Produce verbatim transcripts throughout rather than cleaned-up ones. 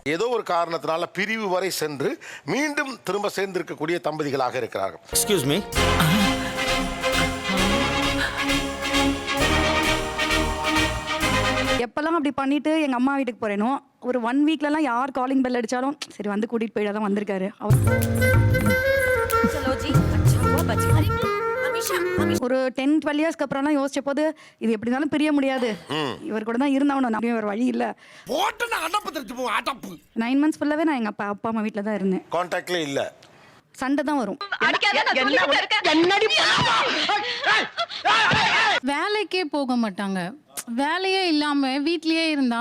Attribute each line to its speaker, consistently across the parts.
Speaker 1: ஏதோ ஒரு காரணத்தினால பிரிவு வரை சென்று மீண்டும் திரும்ப சேர்ந்திருக்கக்கூடிய தம்பதிகளாக இருக்கிறார்கள்.
Speaker 2: Excuse me.
Speaker 3: எப்பெல்லாம் அப்படி பண்ணிட்டு எங்க அம்மா வீட்டுக்கு போறேனோ ஒரு ஒன் வீக்லலாம் யார் காலிங் பெல் அடிச்சாலும் சரி வந்து கூட்டிட்டு போயிட தான் வந்திருக்காரு அவர். ஒரு டென் டுவெல் இயர்ஸ்க்கு அப்புறம்லாம் யோசிச்ச போது இது எப்படி இருந்தாலும் பிரிய முடியாது, இவர் கூட தான் இருந்தாலும் நான் ஒரு வழி இல்லை. நைன் மந்த்ஸ் ஃபுல்லாவே நான் எங்க அப்பா அப்பா அம்மா வீட்டில் தான் இருந்தேன்.
Speaker 1: கான்டாக்ட்ல இல்ல,
Speaker 3: சண்டை தான் வரும்.
Speaker 4: வேலைக்கே போக மாட்டாங்க, வேலையே இல்லாம வீட்லயே இருந்தா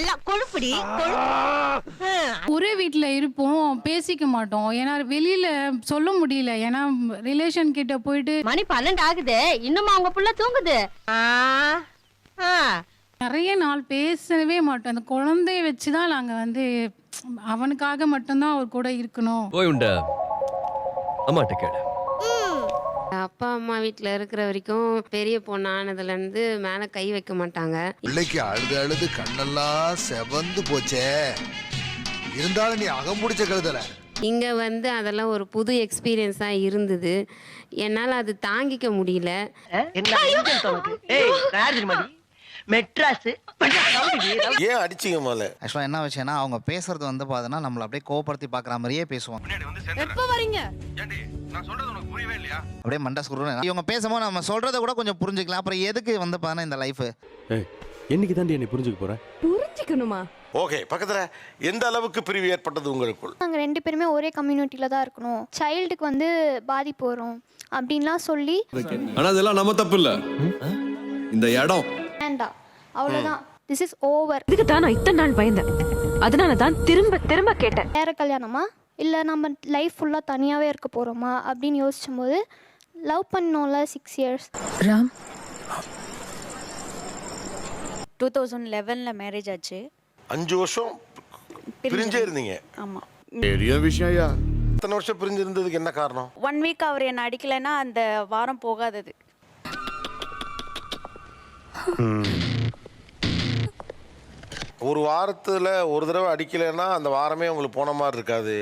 Speaker 4: ஒரே வீட்டுல இருப்போம், பேசிக்க மாட்டோம். ஏன்னா வெளியில சொல்ல முடியல, ஏன்னா ரிலேஷன் கிட்ட போயிட்டு
Speaker 5: மணி பன்னெண்டு ஆகுது இன்னும் அவங்க புள்ள தூங்குது.
Speaker 4: நிறைய நாள் பேசவே மாட்டோம். அந்த குழந்தைய வச்சுதான் நாங்க வந்து அவனுக்காக மட்டும்தான் அவர் கூட இருக்கணும்.
Speaker 6: அப்பா அம்மா வீட்டில் இருக்கிற வரைக்கும் பெரிய பொண்ணு ஆனதுலேருந்து மேலே கை வைக்க மாட்டாங்க.
Speaker 7: பிள்ளைக்கு அழுது அழுது கண்ணெல்லாம் செவந்து போச்சே, இருந்தாலும் நீ அகம்புடிச்ச கழுதல.
Speaker 6: இங்கே வந்து அதெல்லாம் ஒரு புது எக்ஸ்பீரியன்ஸாக இருந்தது. என்னால் அது தாங்கிக்க முடியல.
Speaker 8: மெட்ராஸ்
Speaker 1: ஏன் அடிச்சிங்க முதல்ல?
Speaker 2: ஆக்சுவலாக என்ன விஷயம்னா அவங்க பேசுறது வந்து பார்த்தோன்னா நம்மளை அப்படியே கோவப்படுத்தி பார்க்குற மாதிரியே பேசுவாங்க.
Speaker 5: எப்போ வரீங்க?
Speaker 2: அப்படியே மண்டை சுருன்னு இவங்க பேசும்போது நம்ம சொல்றதை கூட கொஞ்சம் புரிஞ்சுக்கலாம். அப்புறம் எதுக்கு வந்து பார்த்தா இந்த லைஃப்
Speaker 9: என்னைக்கு தாண்டி என்னை புரிஞ்சுக்க போறேன்?
Speaker 5: புரிஞ்சுக்கணுமா?
Speaker 1: ஓகே, பக்கத்துல எந்த அளவுக்கு பிரிவு ஏற்பட்டது உங்களுக்குள்?
Speaker 10: நாங்க ரெண்டு பேருமே ஒரே கம்யூனிட்டில தான் இருக்கணும், சைல்டுக்கு வந்து பாதிப்பு வரும் அப்படின்லாம் சொல்லி.
Speaker 9: ஆனா அதெல்லாம் நம்ம தப்பு இல்ல, இந்த இடம்
Speaker 10: வேண்டாம் அவ்வளவுதான், திஸ் இஸ் ஓவர்.
Speaker 5: இதுக்கு தான் நான் இத்தனை நாள் பயந்தேன், அதனால தான் திரும்ப திரும்ப கேட்டேன்.
Speaker 10: வேற கல்யாணமா இல்லை நம்ம லைஃப் ஃபுல்லாக தனியாகவே இருக்க போகிறோமா அப்படின்னு யோசிச்சும் போது லவ் பண்ணோம்ல six years.
Speaker 5: Ram
Speaker 3: two thousand லெவனில் மேரேஜ் ஆச்சு.
Speaker 1: அஞ்சு வருஷம் பிரிஞ்சே இருந்தீங்க.
Speaker 3: ஆமாம்,
Speaker 9: பெரிய விஷயம்.
Speaker 1: இத்தனை வருஷம் பிரிஞ்சு இருந்ததுக்கு என்ன காரணம்?
Speaker 3: ஒன் வீக் அவர் என்னை அடிக்கலைன்னா அந்த வாரம் போகாதது.
Speaker 1: ஒரு வாரத்துல ஒரு தடவை அடிக்கலைன்னா அந்த வாரமே உங்களுக்கு போன மாதிரி இருக்காது.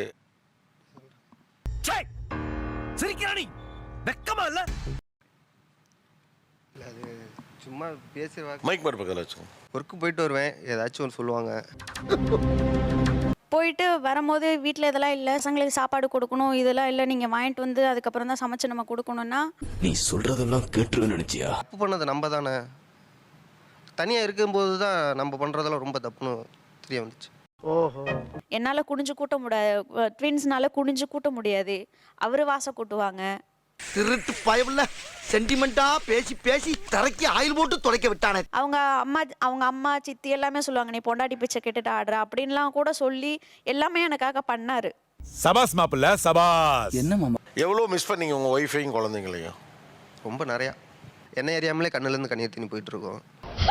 Speaker 11: சும்மா பேசுவேன்.
Speaker 1: மைக் மாதிரி பக்கத்தில் வச்சுக்கோ.
Speaker 11: ஒர்க்கு போயிட்டு வருவேன், ஏதாச்சும் ஒன்று சொல்லுவாங்க.
Speaker 3: போயிட்டு வரும்போது வீட்டில் இதெல்லாம் இல்லை, பசங்களுக்கு சாப்பாடு கொடுக்கணும், இதெல்லாம் இல்லை, நீங்கள் வாங்கிட்டு வந்து அதுக்கப்புறம் தான் சமைச்சு நம்ம கொடுக்கணும்னா
Speaker 9: நீ சொல்றதெல்லாம் கேட்டுருன்னு நினைச்சியா?
Speaker 11: தப்பு பண்ணது நம்ம தானே. தனியாக இருக்கும்போது தான் நம்ம பண்ணுறதெல்லாம் ரொம்ப தப்புன்னு தெரிய வந்துச்சு.
Speaker 3: ஓஹோ, என்னால் குனிஞ்சு கூட்ட முடியாது, ட்வின்ஸ்னால குனிஞ்சு கூட்ட முடியாது, அவர் வாசம் கூட்டுவாங்க.
Speaker 8: திருட்டு பயமில்ல, சென்டிமெண்டா பேசி பேசி தரைக்கு ஆயில் போட்டு துடைக்க விட்டானே.
Speaker 3: அவங்க அம்மா அவங்க அம்மா சித்தி எல்லாமே சொல்லுவாங்க, நீ பொண்டாட்டி பிச்சை கேட்டுட்டு ஆடுற அப்படின்லாம் கூட சொல்லி எல்லாமே எனக்காக பண்ணாரு.
Speaker 9: சபாஸ் மாப்பிள்ள சபாஸ்.
Speaker 2: என்ன மாமா
Speaker 1: எவ்வளோ மிஸ் பண்ணீங்க உங்கள் ஒய்ஃபையும் குழந்தைங்களையும்?
Speaker 11: ரொம்ப நிறையா. என்ன ஏரியாமலே கண்ணுலேருந்து கண்ணீர் தண்ணி போயிட்டு இருக்கோம்.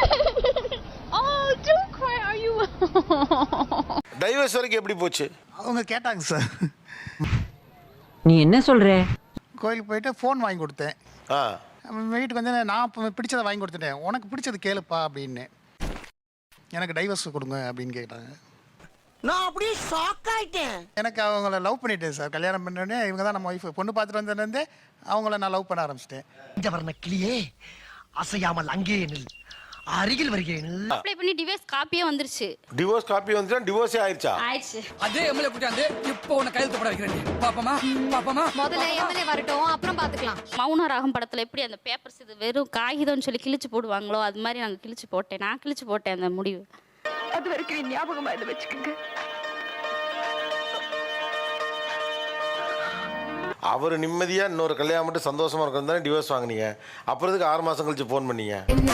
Speaker 1: டைவர்ஸ் வரைக்கும் எப்படி போச்சு?
Speaker 2: அவங்க கேட்டாங்க சார்.
Speaker 8: நீ என்ன சொல்ற?
Speaker 2: கோயிலுக்கு போயிட்டு ஃபோன் வாங்கி கொடுத்தேன்.
Speaker 1: ஆ,
Speaker 2: வீட்டுக்கு வந்து நான் பிடிச்சதை வாங்கி கொடுத்துட்டேன், உனக்கு பிடிச்சது கேளுப்பா அப்படின்னு. எனக்கு டைவர்ஸ் கொடுங்க அப்படின்னு கேட்டாங்க.
Speaker 8: நான் அப்படியே ஷாக் ஆயிட்டேன்.
Speaker 2: எனக்கு அவங்கள லவ் பண்ணிட்டேன் சார். கல்யாணம் பண்ணோடனே இவங்க தான் நம்ம ஒய்ஃப். பொண்ணு பார்த்துட்டு வந்ததுலேருந்தே அவங்கள நான் லவ் பண்ண ஆரம்பிச்சிட்டேன்.
Speaker 8: இந்த வர்ண கிளியே அசையாமல் அங்கே நில், அருகில் வருகிறேன்.
Speaker 5: அப்ளை பண்ணி டிவோர்ஸ் காப்பியே வந்துருச்சு.
Speaker 1: டிவோர்ஸ் காப்பி வந்துச்சா? டிவோர்ஸே ஆயிடுச்சா?
Speaker 5: ஆயிடுச்சு.
Speaker 8: அதே எம்எல்ஏ கூட்டாந்து இப்போ உன்னை கையெழுத்து போட வைக்கிறேன். பாப்பமா பாப்பமா
Speaker 5: முதல்ல எம்எல்ஏ வரட்டும், அப்புறம் பாத்துக்கலாம். மௌன ராகம் படத்துல எப்படி அந்த பேப்பர்ஸ் இது வெறும் காகிதம்னு சொல்லி கிழிச்சு போடுவாங்களோ அது மாதிரி நாங்க கிழிச்சு போட்டேன். நான் கிழிச்சு போட்டேன் அந்த முடிவு.
Speaker 3: அது வரைக்கும் ஞாபகமா இதை வச்சுக்கோங்க.
Speaker 1: அவர் நிம்மதியா இன்னொரு கல்யாணம் மட்டும் சந்தோஷமா இருக்கும் தானே டிவோர்ஸ் வாங்கினீங்க. அப்புறம் இதுக்கு ஆறு மாசம் கழிச்சு போன் பண்ணீங்க.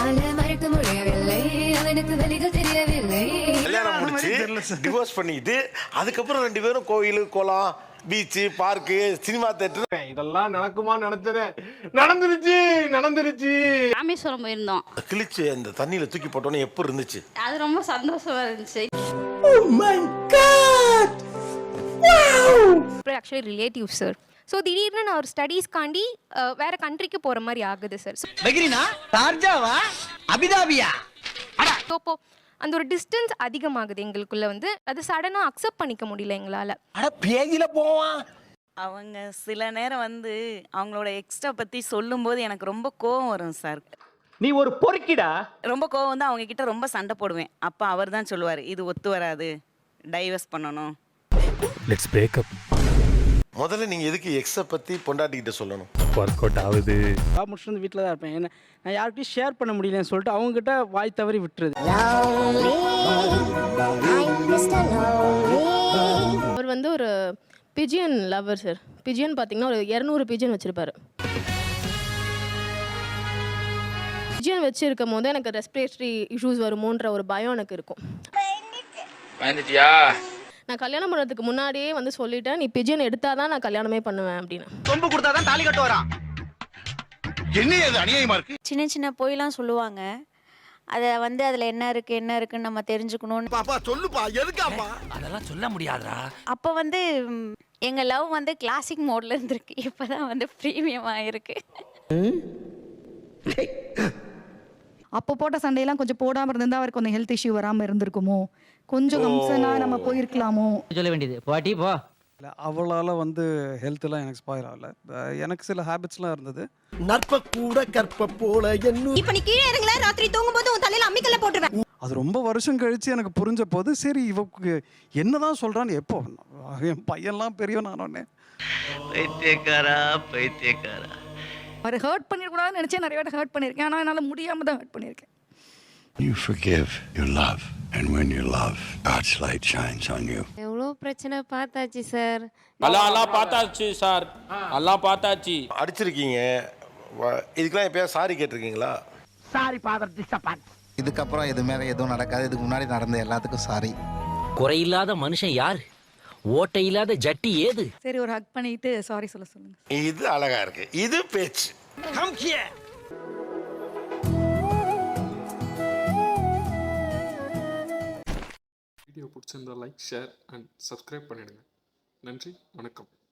Speaker 1: கல்யாணம் முடிச்சு டிவோர்ஸ் பண்ணிட்டு அதுக்கப்புறம் ரெண்டு பேரும் கோயில் குளம் பீச்சு பார்க்கு சினிமா தேட்டர்
Speaker 9: இதெல்லாம் நடக்குமா? நினைச்சது நடந்துருச்சு நடந்துருச்சு.
Speaker 5: ராமேஸ்வரம் போயிருந்தோம்.
Speaker 1: கிழிச்சு அந்த தண்ணியில தூக்கி போட்டோன்னே எப்படி இருந்துச்சு?
Speaker 5: அது ரொம்ப சந்தோஷமா இருந்துச்சு.
Speaker 10: Actually relative sir. ஸோ திடீர்னு நான் ஒரு ஸ்டடீஸ்காண்டி வேற கண்ட்ரிக்கு போகிற மாதிரி ஆகுது சார்.
Speaker 8: வெகிரினா ஷார்ஜாவா அபிதாபியா?
Speaker 10: ஸோ இப்போ அந்த ஒரு டிஸ்டன்ஸ் அதிகமாகுது எங்களுக்குள்ள வந்து அது சடனாக அக்செப்ட் பண்ணிக்க முடியல எங்களால்.
Speaker 8: அட பேஜில போவான்.
Speaker 12: அவங்க சில நேரம் வந்து அவங்களோட எக்ஸ்ட்ரா பற்றி சொல்லும்போது எனக்கு ரொம்ப கோவம் வரும் சார்.
Speaker 8: நீ ஒரு பொறுக்கிடா.
Speaker 12: ரொம்ப கோவம் வந்து அவங்க கிட்ட ரொம்ப சண்டை போடுவேன். அப்போ அவர் தான் சொல்லுவார், இது ஒத்து வராது, டைவர்ஸ் பண்ணணும்.
Speaker 13: Let's break up.
Speaker 1: முதல்ல நீங்க எதுக்கு எக்ஸ பத்தி பொண்டாட்டிக்கிட்ட சொல்லணும்?
Speaker 13: ஒர்க் அவுட் ஆகுது.
Speaker 12: நான் முடிச்சுட்டு வந்து வீட்டில் தான் இருப்பேன். என்ன நான் யார்கிட்டயும் ஷேர் பண்ண முடியலன்னு சொல்லிட்டு அவங்ககிட்ட வாய் தவறி விட்டுருது.
Speaker 10: அவர் வந்து ஒரு பிஜியன் லவர் சார். பிஜியன் பார்த்தீங்கன்னா ஒரு இரநூறு பிஜியன் வச்சுருப்பாரு. பிஜியன் வச்சுருக்கும் போது எனக்கு ரெஸ்பிரேட்டரி இஷ்யூஸ் வருமோன்ற ஒரு பயம் எனக்கு இருக்கும். நான் கல்யாணம் பண்ணுறதுக்கு முன்னாடியே வந்து சொல்லிட்டேன், நீ பிஜியன் எடுத்தாதான் நான் கல்யாணமே பண்ணுவேன் அப்படின்னு.
Speaker 8: சொம்பு கொடுத்தாதான் தாலி கட்டு வரான். என்ன அது அநியாயமா இருக்கு.
Speaker 3: சின்ன சின்ன பொய்லாம் சொல்லுவாங்க. அதை வந்து அதில் என்ன இருக்குது என்ன இருக்குன்னு நம்ம தெரிஞ்சுக்கணும்னு.
Speaker 8: பாப்பா சொல்லுப்பா, எதுக்காப்பா?
Speaker 13: அதெல்லாம் சொல்ல முடியாதுடா.
Speaker 3: அப்போ வந்து எங்கள் லவ் வந்து கிளாசிக் மோடில் இருந்திருக்கு. இப்போ தான் வந்து ப்ரீமியம் ஆகிருக்கு.
Speaker 10: அப்போ போட்ட சண்டையெல்லாம் கொஞ்சம் போடாமல் இருந்தால் அவருக்கு கொஞ்சம் ஹெல்த் இஷ்யூ வராமல் இருந்திருக்குமோ, கொஞ்சம் கம்சனா நம்ம போயிருக்கலாமோ.
Speaker 12: சொல்ல வேண்டியது பாட்டி போ.
Speaker 13: அவளால் வந்து ஹெல்த்லாம் எனக்கு ஸ்பாயில் ஆகல. எனக்கு சில ஹேபிட்ஸ்லாம் இருந்தது.
Speaker 8: நற்ப கூட கற்ப போல என்ன.
Speaker 10: இப்போ நீ கீழே இறங்கல, ராத்திரி தூங்கும்போது உன் தலையில அம்மிக்கல்ல போட்டுருவேன்.
Speaker 13: அது ரொம்ப வருஷம் கழிச்சு எனக்கு புரிஞ்ச போது சரி இவக்கு என்னதான் சொல்றான்னு. எப்போ என் பையன்லாம் பெரியவன் ஆனோடனே
Speaker 8: பைத்தியக்காரா பைத்தியக்காரா.
Speaker 10: அவர் ஹர்ட் பண்ணிடக்கூடாதுன்னு நினச்சேன், நிறைய வாட்டி ஹர்ட் பண்ணியிருக்கேன். ஆனால் என்னால் முடியாமல் தான் ஹர்ட் பண்ணியிருக்கேன்.
Speaker 7: You forgive, you love, and when you love, God's light shines on you.
Speaker 6: எவ்வளோ பிரச்சனை பார்த்தாச்சு சார்.
Speaker 13: எல்லாம் எல்லாம் பார்த்தாச்சு சார், எல்லாம் பார்த்தாச்சு.
Speaker 1: அடிச்சிருக்கீங்க, வ- இதுக்கெல்லாம் எப்பயாவது சாரி கேட்டிருக்கீங்களா?
Speaker 8: Sorry father disappoint.
Speaker 2: இதுக்கப்புறம் இது மேலே எதுவும் நடக்காது. இதுக்கு முன்னாடி நடந்த எல்லாத்துக்கும் சாரி.
Speaker 12: குறையில்லாத மனுஷன் யார்? ஓட்டை இல்லாத ஜட்டி ஏது?
Speaker 10: சரி, ஒரு ஹக் பண்ணிட்டு சாரி சொல்ல சொல்லுங்க.
Speaker 1: இது அழகா இருக்கு, இது பேச்சு.
Speaker 8: Come here.
Speaker 13: வீடியோ பிடிச்சிருந்தா லைக், ஷேர் அண்ட் சப்ஸ்கிரைப் பண்ணிடுங்க. நன்றி, வணக்கம்.